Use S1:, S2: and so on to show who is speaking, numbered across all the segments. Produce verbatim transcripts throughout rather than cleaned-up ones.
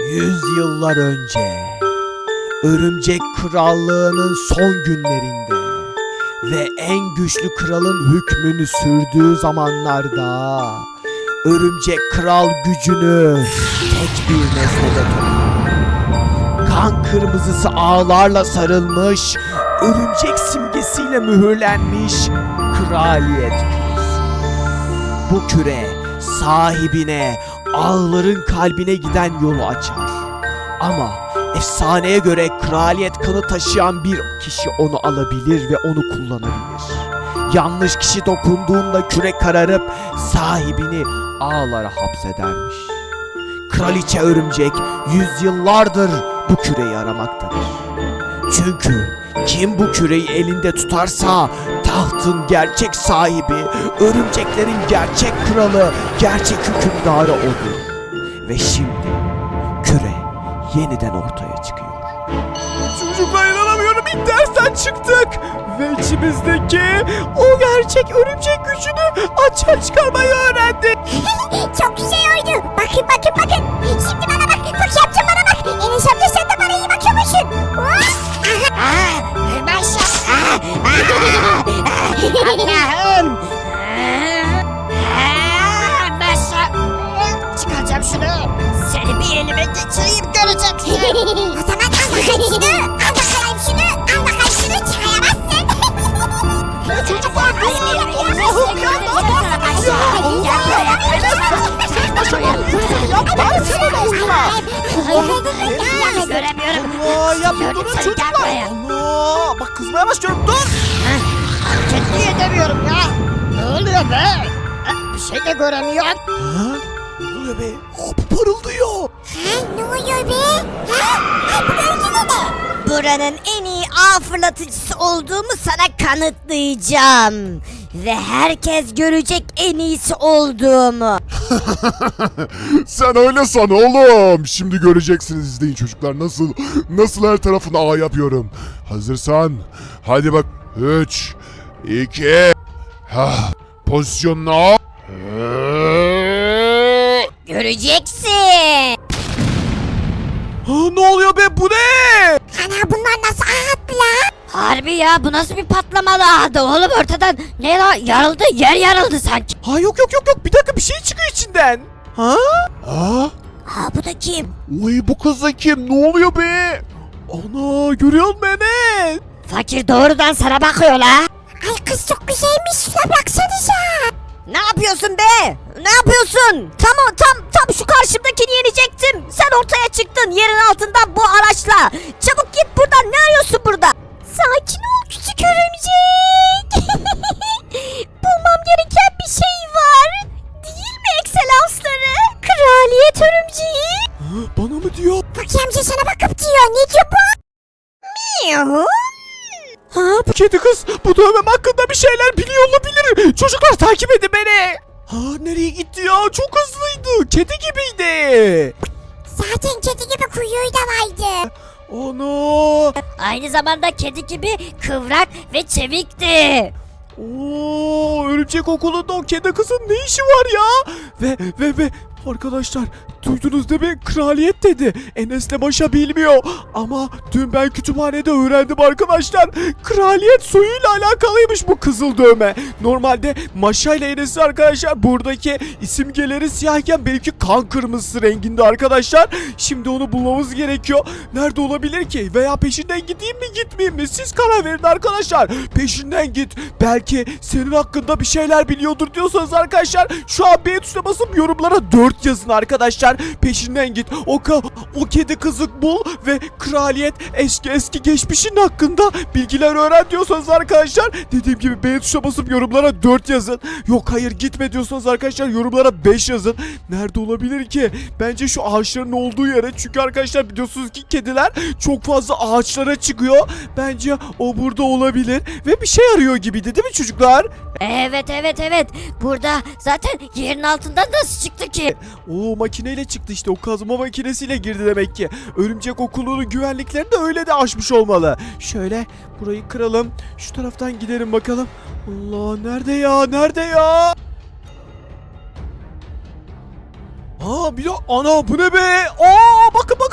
S1: Yüzyıllar önce Örümcek Krallığı'nın son günlerinde ve en güçlü kralın hükmünü sürdüğü zamanlarda Örümcek Kral gücünü tek bir nesnede topluyor. Kan kırmızısı ağlarla sarılmış, örümcek simgesiyle mühürlenmiş kraliyet küresi. Bu küre sahibine ağların kalbine giden yolu açar. Ama efsaneye göre kraliyet kanı taşıyan bir kişi onu alabilir ve onu kullanabilir. Yanlış kişi dokunduğunda küre kararıp sahibini ağlara hapsedermiş. Kraliçe Örümcek yüzyıllardır bu küreyi aramaktadır. Çünkü kim bu küreyi elinde tutarsa tahtın gerçek sahibi, örümceklerin gerçek kralı, gerçek hükümdarı odur. Ve şimdi küre yeniden ortaya çıkıyor. Çocuklar inanamıyorum, ilk dersten çıktık. Ve içimizdeki o gerçek örümcek gücünü açığa çıkarmayı öğrendik.
S2: Çok güzel oldu. Bakın bakın bakın. Şimdi bana bak. Bak yapacağım bana bak. Enes amca sen de bana iyi bakıyormuşsun. Aaa. Maşallah. Allah'ım. Maşallah. Çıkaracağım şunu. Seni bir elime geçireyim göreceksin. O zaman al bakayım şunu. Al bakayım şunu. Al bakayım şunu. Çıkaramazsın.
S1: Çocuklar ne oluyor? Allah'ım ya, ne yapıyorsun? Ya ben sana ne oldu lan?
S2: Göremiyorum.
S1: Allah ya bir durun çocuklar. Allah bak kızmaya başlıyorum, dur.
S2: Hareket edemiyorum ya. Ne oluyor be? Bir şey de göremiyorum.
S1: Ha? Ne oluyor be? Hop parıldıyor.
S2: Ha, ne oluyor be? Ha? Ha, bu görüntü ne? Buranın en iyi ağ fırlatıcısı olduğumu sana kanıtlayacağım. Ve herkes görecek en iyisi olduğumu.
S3: Sen öyle san oğlum. Şimdi göreceksiniz, izleyin çocuklar, nasıl nasıl her tarafına ağ yapıyorum. Hazırsan hadi bak. Üç iki ha, pozisyonuna al.
S2: Göreceksin.
S1: Ha, ne oluyor be, bu ne?
S2: Ana bunlar nasıl ağ lan? Harbi ya, bu nasıl bir patlamalı ağdı oğlum, ortadan ne la, yarıldı, yer yarıldı sanki.
S1: Ha yok yok yok yok, bir dakika, bir şey çıkıyor içinden. Ha?
S3: Ha?
S2: Ha bu da kim?
S3: Uy, bu kız da kim? Ne oluyor be?
S1: Ana, görüyor musun Enes?
S2: Fakir doğrudan sana bakıyor la. Ay kız çok güzelmiş, şuna baksanıza. Ne yapıyorsun be? Ne yapıyorsun? Tam tam tam şu karşımdakini yenecektim. Sen ortaya çıktın yerin altından bu araçla. Çabuk git buradan, ne arıyorsun burada? Sakin ol küçük örümcek. Bulmam gereken bir şey var. Değil mi ekselansları? Kraliyet örümceği.
S1: Ha, bana mı diyor?
S2: Fakir amca sana bakıp diyor. Ne diyor bu? Miyav.
S1: Ha, bu kedi kız bu dövmem hakkında bir şeyler biliyor olabilir. Çocuklar takip edin beni. Ha, nereye gitti ya? Çok hızlıydı. Kedi gibiydi.
S2: Zaten kedi gibi kuyruğu da vardı.
S1: Ana.
S2: Aynı zamanda kedi gibi kıvrak ve çevikti.
S1: Oo, örümcek okulunda o kedi kızın ne işi var ya? Ve ve ve arkadaşlar, duydunuz değil mi? Kraliyet dedi. Enes'le Maşa bilmiyor. Ama dün ben kütüphanede öğrendim arkadaşlar. Kraliyet soyuyla alakalıymış bu kızıl dövme. Normalde Maşa ile Enes'in arkadaşlar buradaki isimgeleri siyahken benimki kan kırmızısı renginde arkadaşlar. Şimdi onu bulmamız gerekiyor. Nerede olabilir ki? Veya peşinden gideyim mi gitmeyeyim mi? Siz karar verin arkadaşlar. Peşinden git. Belki senin hakkında bir şeyler biliyordur diyorsanız arkadaşlar şu an beğen tuşuna basıp yorumlara dört yazın arkadaşlar. Peşinden git. O ka o kedi kızı bul ve kraliyet eski eski geçmişin hakkında bilgiler öğren diyorsanız arkadaşlar, dediğim gibi beğen tuşuna basıp yorumlara dört yazın. Yok hayır gitme diyorsanız arkadaşlar yorumlara beş yazın. Nerede olabilir ki? Bence şu ağaçların olduğu yere. Çünkü arkadaşlar biliyorsunuz ki kediler çok fazla ağaçlara çıkıyor. Bence o burada olabilir ve bir şey arıyor gibiydi değil mi çocuklar?
S2: Evet evet evet. Burada zaten yerin altından nasıl çıktı ki?
S1: O makineyle çıktı işte, o kazma makinesiyle girdi demek ki. Örümcek okulunun güvenliklerini de öyle de aşmış olmalı. Şöyle burayı kıralım. Şu taraftan gidelim bakalım. Allah, nerede ya? Nerede ya? Aa bir de ana, bu ne be? Aa bakın bakın.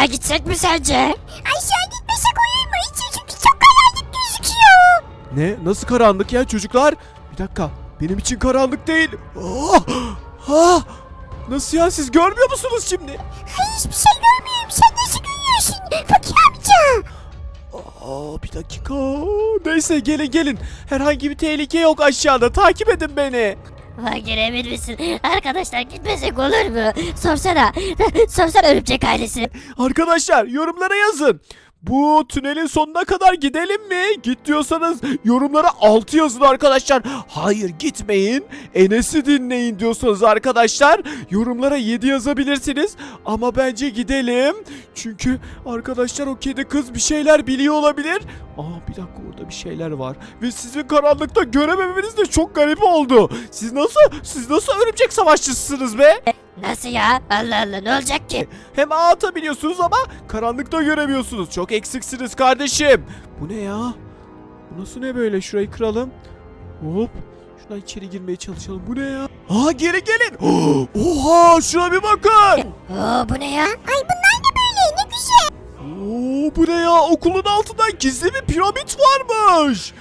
S2: aşağı gitsek mi sence? Aşağı gitmesek olur mu? İçi çünkü çok karanlık gözüküyor.
S1: Ne? Nasıl karanlık ya çocuklar? Bir dakika. Benim için karanlık değil. Ah! Ah! Nasıl ya, siz görmüyor musunuz şimdi?
S2: Hayır, hiçbir şey görmüyorum. Sen nasıl görüyorsun? Fakir amca.
S1: Aa, bir dakika. Neyse, gelin gelin. Herhangi bir tehlike yok aşağıda. Takip edin beni.
S2: Fakir emin misin? Arkadaşlar gitmesek olur mu? Sorsana. Sorsana örümcek ailesi.
S1: Arkadaşlar yorumlara yazın. Bu tünelin sonuna kadar gidelim mi? Git diyorsanız yorumlara altı yazın arkadaşlar. Hayır gitmeyin. Enes'i dinleyin diyorsanız arkadaşlar yorumlara yedi yazabilirsiniz. Ama bence gidelim. Çünkü arkadaşlar o kedi kız bir şeyler biliyor olabilir. Aa, bir dakika, orada bir şeyler var. Ve sizin karanlıkta görememeniz de çok garip oldu. Siz nasıl, siz nasıl örümcek savaşçısınız be?
S2: Nasıl ya? Allah Allah, ne olacak ki?
S1: Hem ağ atabiliyorsunuz ama karanlıkta göremiyorsunuz. Çok eksiksiniz kardeşim. Bu ne ya? Bu nasıl ne böyle? Şurayı kıralım. Hop. Şuradan içeri girmeye çalışalım. Bu ne ya? Aa, geri gelin. Oha, şuna bir bakın.
S2: Oo, bu ne ya? Ay bunlar ne böyle? Ne güzel.
S1: Oo, bu ne ya? Okulun altında gizli bir piramit varmış.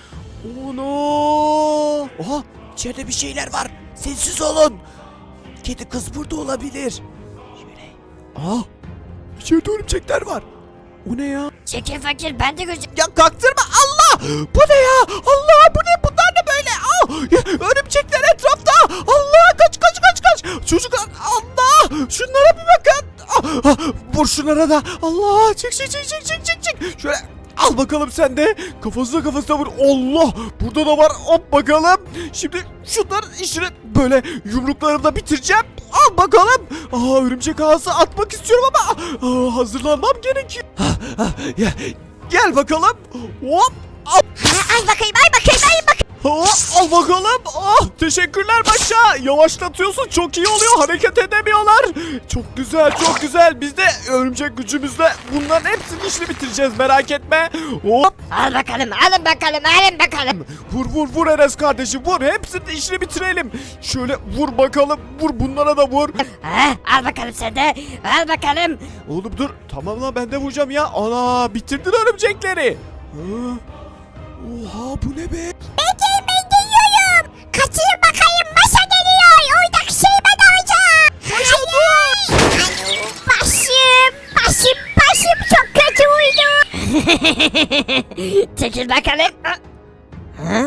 S1: Ono. Oha, içeride bir şeyler var. Sessiz olun. Kedi kız burada olabilir. Şöyle. Aa, içeride örümcekler var. O ne ya?
S2: Çekil fakir, ben de göreceğim.
S1: Ya kaktırma, Allah! Bu ne ya? Allah, bu ne? Bunlar ne böyle? Aa, ya, örümcekler etrafta. Allah, kaç kaç kaç kaç. Çocuklar, Allah! Şunlara bir bakın. Ah, ah, vur şunlara da. Allah, çık çık çık çık çık çık çık. Şöyle al bakalım sen de. Kafasına kafasına vur. Allah! Burada da var. Hop bakalım. Şimdi şunların işini böyle yumruklarımla bitireceğim. Al bakalım. Aa, örümcek ağası atmak istiyorum ama aa, hazırlanmam gerekiyor. Ah, ah, ya, gel bakalım. Hop. Al.
S2: Ha, ay bakayım, ay bakayım, ay bakayım.
S1: Hop, al bakalım. Ah, teşekkürler Başa. Yavaşlatıyorsun, çok iyi oluyor. Hareket edemiyorlar. Çok güzel, çok güzel. Biz de örümcek gücümüzle bunların hepsini işini bitireceğiz, merak etme. Hop.
S2: Al bakalım, alın bakalım, alın bakalım.
S1: Vur vur vur Enes kardeşim, vur. Hepsini işini bitirelim. Şöyle vur bakalım. Vur, bunlara da vur.
S2: Ha, al bakalım sen de, al bakalım.
S1: Oğlum dur. Tamam lan, ben de vuracağım ya. Ana, bitirdin örümcekleri. Ha? Oha, bu ne be?
S2: Bekleyin, ben geliyorum. Kaçayım bakayım, masa geliyor. Oradaki şey ben alacağım. Hayır. Başım, başım, başım çok kötü uydu. Çekil bakalım. Ha?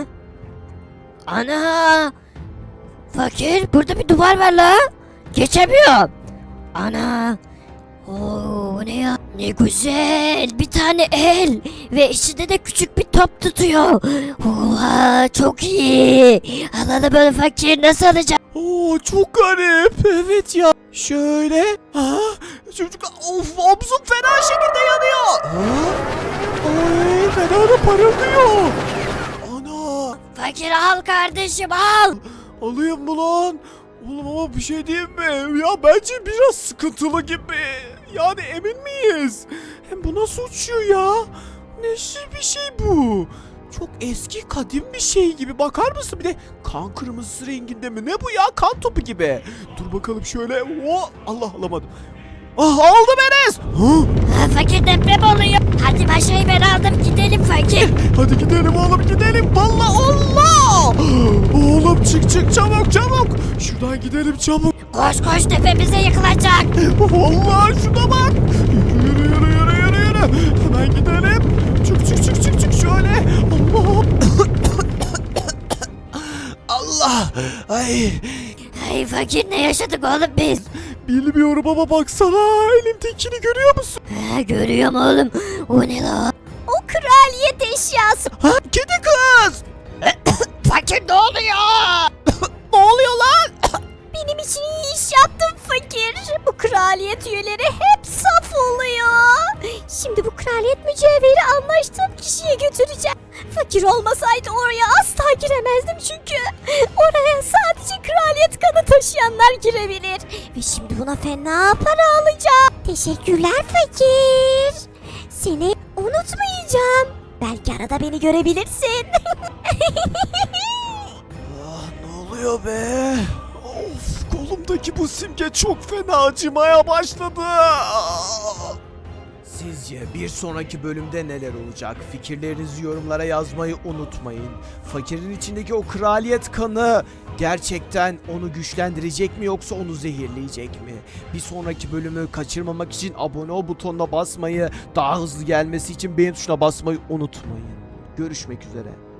S2: Ana. Fakir, burada bir duvar var la. Geçemiyorum. Ana. Oo, ne ya? Ne güzel. Bir tane el. Ve içinde de küçük bir top tutuyor. Oha, çok iyi. Alalım böyle fakir, nasıl alacağım?
S1: Oo, çok garip. Evet ya. Şöyle. Ha? Çocuk, of, omzum fena şekilde yanıyor. Ha? Ay, fena da parıldıyor. Ana.
S2: Fakir al kardeşim, al.
S1: Alayım mı lan? Oğlum ama bir şey diyeyim mi? Ya bence biraz sıkıntılı gibi. Yani emin miyiz? Hem bu nasıl uçuyor ya? Neşir bir şey bu. Çok eski, kadim bir şey gibi. Bakar mısın? Bir de kan kırmızısı renginde mi? Ne bu ya? Kan topu gibi. Dur bakalım şöyle. Oh, Allah, alamadım. Ah, aldım Enes. Hı?
S2: Ha, fakir, deprem oluyor. Hadi başayı ben aldım, gidelim fakir.
S1: Hadi gidelim oğlum, gidelim. Vallahi Allah. Oğlum çık çık, çabuk çabuk. Şuradan gidelim çabuk.
S2: Koş koş, tepemize yıkılacak.
S1: Vallahi şuna bak. Yürü yürü yürü yürü yürü. Hemen gidelim. Çık çık çık çık çık şöyle. Allah. Allah. Ay.
S2: Ay fakir, ne yaşadık oğlum biz?
S1: Bilmiyorum ama baksana, elimdekini görüyor musun?
S2: Ha, görüyorum oğlum. O ne la? O kraliyet eşyası.
S1: Ha, kedi kız.
S2: Fakir, ne oluyor?
S1: Ne oluyor lan?
S2: Benim için iyi iş yaptın fakir. Bu kraliyet üyeleri hep saf oluyor. Şimdi bu kraliyet mücevheri anlaştığım kişiye götüreceğim. Fakir olmasaydı oraya asla giremezdim çünkü. Oraya sadece kraliyet kanı taşıyanlar girebilir. Ve şimdi buna fena para alacağım. Teşekkürler fakir. Seni unutmayacağım. Belki arada beni görebilirsin.
S1: Ah, ne oluyor be? Of, kolumdaki bu simge çok fena acımaya başladı. Ah. Sizce bir sonraki bölümde neler olacak? Fikirlerinizi yorumlara yazmayı unutmayın. Fakirin içindeki o kraliyet kanı gerçekten onu güçlendirecek mi yoksa onu zehirleyecek mi? Bir sonraki bölümü kaçırmamak için abone ol butonuna basmayı, daha hızlı gelmesi için beğen tuşuna basmayı unutmayın. Görüşmek üzere.